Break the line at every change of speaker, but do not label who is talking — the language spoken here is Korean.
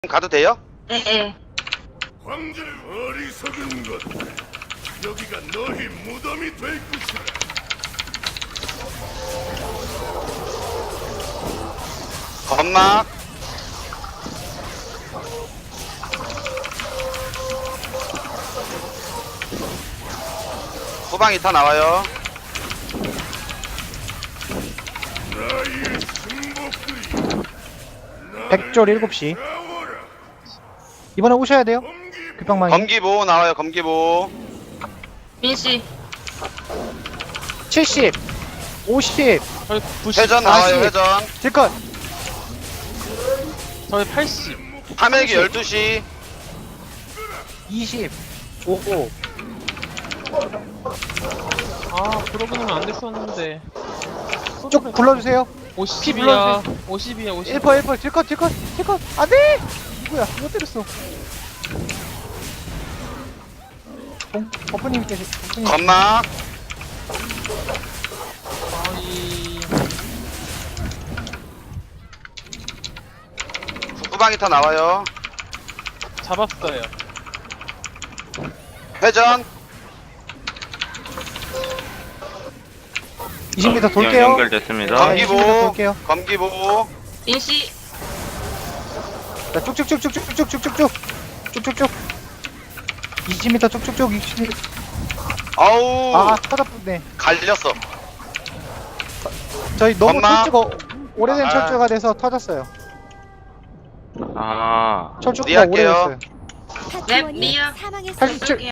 가도 돼요?
예.
황제의 어리석은 것, 여기가 너희 무덤이 될 것이다.
건막 후방 2타 나와요.
나의 승복들이
백졸 7시.
나와라.
이번에 오셔야 돼요. 급방망이.
검기보 나와요. 검기보.
민씨.
70, 50,
저희 90,
회전 나와요.
40.
회전.
딜컷.
저희 80.
파멸기 12시.
20, 55.
아, 그러고는 안 됐었는데.
쭉 불러주세요.
50이야. 50이야, 50.
1퍼, 딜컷. 안 돼! 누구야? 누가 때렸어? 버프님 계시, 버프님.
건막
아이.
후방 2타 나와요.
잡았어요.
회전
20m 돌게요.
연결됐습니다.
네,
검기보
20m 돌게요.
검기보.
민씨.
자, 쭉쭉쭉. 20m 쭉쭉쭉, 20m.
아우
아, 터졌네.
갈렸어.
저희 너무
엄마.
철주가, 오래된
아.
철주가 돼서 터졌어요.
아,
철주가
리할게요.
오래됐어요.
네, 리아.
87,